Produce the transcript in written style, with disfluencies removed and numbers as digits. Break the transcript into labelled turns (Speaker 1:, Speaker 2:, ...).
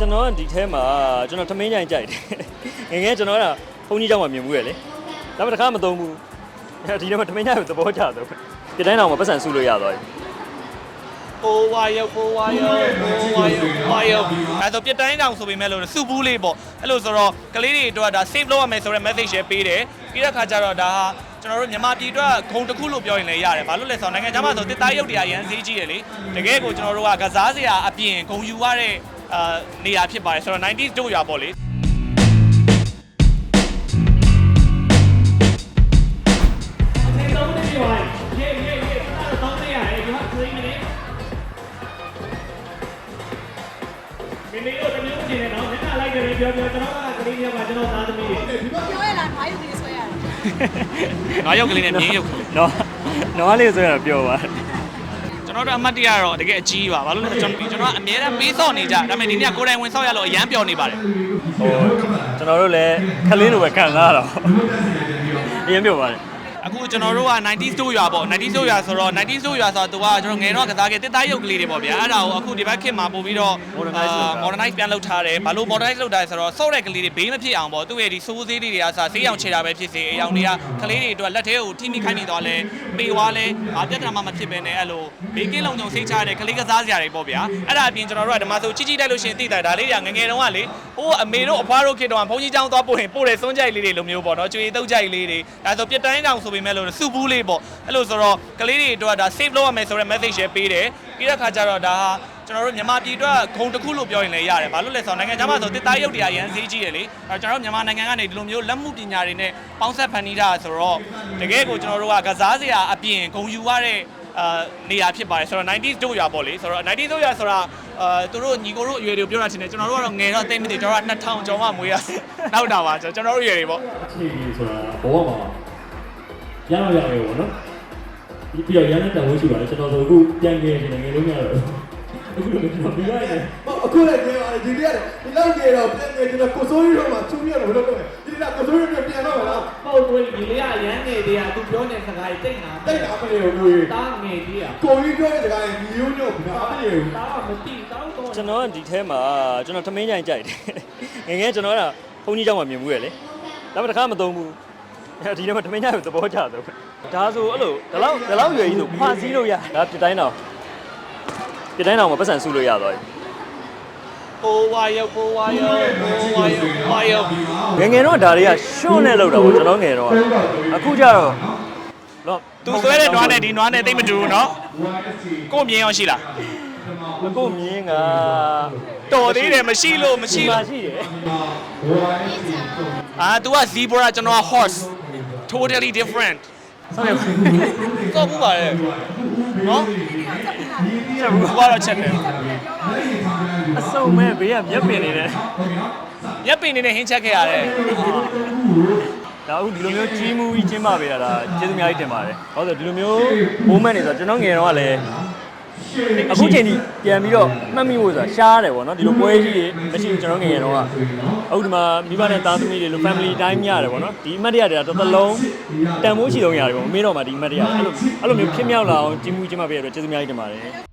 Speaker 1: ကျွန်တော်ဒီထဲမှာကျွန်တော်ထမင်းကြိုင်ကြိုက်တယ်ငယ်ကျွန်တော်ကဘုန်းကြီးကျောင်းမှာမြင်မှုရလေဒါပေမဲ့တစ်ခါမသုံးဘူးဒီထဲမှာထမင်းကြိုင်ကိုသဘောကျတော့ဒီတိုင်းတော့မပတ်စံစုလို့ရသွားပြီ
Speaker 2: ကိုဝါယောအဲ့တော့ပြတ်တိုင်းတောင်ဆိုပေမဲ့လို့စုဘူးလေးပေါ့အဲ့လိုဆိုတော့ကလေးတွေအတွက်ဒါ save လုပ်ရမယ်ဆိုတဲ့ message ရှယ်ပေးတယ်ပြီးတဲ့ခါကျတော့ဒါဟာကျွန်တော်တို့မြန်မာပြည်အတွက်ဂုံတစ်ခုလို့ပြောရင်လည်းရတယ်ဘာလို့လဲဆိုတော့နိုင်ငံခြားမှာဆိုတစ်သားရုပ်တရားရန်ဈေးကြီးတယ်လေတကယ်ကိုကျွန်တော်တို့ကကစားစရာအပြင်ဂုံယူရတဲ့နေရာဖြစ်ပါတယ်ဆိုတော့ 90s တို့ရွာပေါ့လေမင်းတို့တမျိုးချင်းနေတော့မျက်နှာလိုက်တယ်ပြောကျွန်တော်ကကလေးတွေကကျွန်တော်သားသမီးတွေ
Speaker 3: ပြောရလား9ရုပ်ကလေးဆွဲရတယ်
Speaker 2: 9ရုပ်ကလေးနဲ့မြင်းရုပ်ကလေး
Speaker 1: နော်လေးဆိုရတော့ပြောပါ
Speaker 2: ကျွန်တော်တို့အမှတ်တရတော့တကယ်အကြီးပါဘာလို့လဲကျွန်တော်ကအများအားပေးစော့နေကြဒါပေမဲ့ဒီနေ့ကိုယ်တိုင်ဝင်ဆော့ရလို့အရန်ပျော်နေပါတယ်
Speaker 1: ဟိုကျွန်တော်တို့လည်းခလေးလိုပဲခံစားရတော့အရင်ပြောပါတယ်
Speaker 2: အခုကျွန်တော်တို့က 90s တို့ရွာပေါ့ 90s တို့ရွာဆိုတော့ 90s တို့ရွာဆိုတော့သူကကျွန်တော်ငယ်တော့ကစားခဲ့တစ်သားရုပ်ကလေးတွေပေါ့ဗျာအဲ့ဒါကိုအခုဒီဘက်ခေတ်မှာပို့ပြီးတော့ modernize ပြန်လုပ်ထားတယ်ဘာလို့ modernize လုပ်ထားလဲဆိုတော့စော့တဲ့ကလေးတွေဘေးမဖြစ်အောင်ပေါ့သူ့ရဲ့ဒီစိုးသေးလေးတွေကစားဆေးရောင်ခြေတာပဲဖြစ်စေအယောင်တွေကကလေးတွေအတွက်လက်ထဲကိုထိမိခိုင်းနေတော့လဲပေွားလဲပြဿနာမှမဖြစ်ဘဲနဲ့အဲ့လိုဘေးကင်းလုံခြုံစိတ်ချတဲ့ကလေးကစားစရာတွေပေါ့ဗျာအဲ့ဒါအပြင်ကျွန်တော်တို့ကဓမ္မဆိုကြီးတိုက်လို့ရှိရင်သိတာဒါလေးတွေကငယ်တုန်းကလေဟိုအမေတို့အဖွားတို့ခေတ်တုန်းကဘုန်းကြီးကျောင်းသွားပို့ရင်ပို့တဲ့စွန်းကြိုက်လေးတွေလိုမျိုးပေါ့နော်ကျွေတုတ်ကြိုက်လေးတွေဒါဆိုပြတ်တိုင်းတောင်ဆိုပေမဲ့လို့စုဘူးလေးပေါ့အဲ့လိုဆိုတော့ကလေးတွေအတွက်ဒါ save လုပ်ရမယ်ဆိုတဲ့ message ရှယ်ပေးတယ်ပြီးတဲ့ခါကျတော့ဒါဟာကျွန်တော်တို့မြန်မာပြည်အတွက်ဂုံတစ်ခုလို့ပြောရင်လည်းရတယ်ဘာလို့လဲဆိုတော့နိုင်ငံခြားမှာဆိုတစ်သားရုပ်တရားရန်ဈေးကြီးတယ်လေအဲကျွန်တော်တို့မြန်မာနိုင်ငံကနေဒီလိုမျိုးလက်မှုပညာတွေနဲ့ပေါင်းဆက်ဖန်တီးတာဆိုတော့တကယ်ကိုကျွန်တော်တို့ကကစားစရာအပြင်ဂုံယူရတဲ့နေရာဖြစ်ပါတယ်ဆိုတော့ 90s တို့ရွာပေါ့လေဆိုတော့ 90s တို့ရွာဆိုတာသူတို့ညီကိုတို့အရွယ်တွေပြောတာချင်းတယ်ကျွန်တော်တို့ကတော့ငယ်တော့တိတ်မသိကျွန်တော်က2000ကျော်မှမွေးရနောက်တာပါကျွန်တော်တို့အရွယ်တွေပေါ့
Speaker 4: အခြေအနေဆိုတာဘောမှာရအောင်ရတယ်ပေါ့နော်ပြီးတော့ရန်တဲ့တန်ဖိုးရှိပါတယ်ကျွန်တော်ဆိုအခုပြန်ငယ်နေငယ်လုံးရတော့အခုလည်းကျွန်တော်ပြီးရတယ်
Speaker 5: အခုလည်းငယ်ပါတယ်ဒီနေ့ဒီလောက်ငယ်တော့ပြန်ငယ်ကျွန်တော်ကိုစိုးရီတော့မှချူပြီးတော့ဘယ်လိုလုပ်လဲဒီနေ့ကိုစိုးရီတော့ပြန်တော့မလား
Speaker 2: ပေါ့ကိုယ်ဒီလေးကရန်ငယ်တွေကသူပြောတဲ့စကားတွေတိတ်တာ
Speaker 5: မလဲကိုကြီး
Speaker 2: တားငယ်ကြီးอ่ะ
Speaker 5: ကိုကြီးပြောတဲ့စကားတွေညီရိုးညို့ဘာမလဲဘူး
Speaker 2: တားမသိတောင်းတော့
Speaker 1: ကျွန်တော်ဒီထဲမှာကျွန်တော်ထမင်းကြိုင်ကြိုက်တယ်ငယ်ကျွန်တော်ကဘုန်းကြီးကျောင်းမှာမြင်မှုရလေဒါပေမဲ့တစ်ခါမသုံးဘူးဒီထဲမှာထမင်းကြိုင်ကိုသဘောကျတော့ဒါဆိုအဲ့လိုဒီလောက်ရွယ်ကြီးဆိုခွာစည်းလို့ရဒါပြတိုင်းတော့မှာပတ်စံစုလို့ရသွားပြီ
Speaker 2: ကိုဝါယော
Speaker 1: ငယ်တော့ဒါတွေကရှွန့်နဲ့လောက်တာပေါ့ကျွန်တော်ငယ်တော့အခုကျတော့
Speaker 2: သူဆွဲတဲ့နွားနဲ့ဒီနွားနဲ့တိတ်မတူဘူးเนาะကိုမြင်ရောရှိလား
Speaker 1: ကိုမြင်က
Speaker 2: တော်သေးတယ်မရှိလို့မရှိ
Speaker 1: တယ်
Speaker 2: तू က zebra ကျွန်တော်က horse totally different
Speaker 1: ဆောက်ရ
Speaker 2: တော့ဘူးပါလေနော်ချက်ဘူးကတော့ချက်တယ်
Speaker 1: အစုံမဲ့ဘေးကမျက်ပင်နေတယ်
Speaker 2: မျက်ပင်နေနဲ့ဟင်းချက်ခဲ့ရတယ်
Speaker 1: ဒါအခုဒီလိုမျိုးကြီးမှုကြီးကျင်းပပေးတာဒါကျေးဇူးအများကြီးတင်ပါတယ်ဟုတ်တယ်ဒီလိုမျိုး moment တွေဆိုကျွန်တော်ငယ်တော့ကလည်းအခုချိန်ကြီးပြန်ပြီးတော့မှတ်မိဖို့ဆိုတာရှားတယ်ပေါ့နော်ဒီလိုပွဲကြီးတွေမရှိဘူးကျွန်တော်ငယ်တော့အခုဒီမှာမိဘနဲ့သားသမီးတွေလို family time ရတယ်ပေါ့နော်ဒီအမှတ်တရတွေတစ်သလုံးတန်ဖိုးရှိဆုံးရတယ်ပေါ့မမေ့တော့မှဒီအမှတ်တရအဲ့လိုမျိုးဖြစ်မြောက်လာအောင်ကြီးမှုကြီးမှပေးရတော့ကျေးဇူးအများကြီးတင်ပါတယ်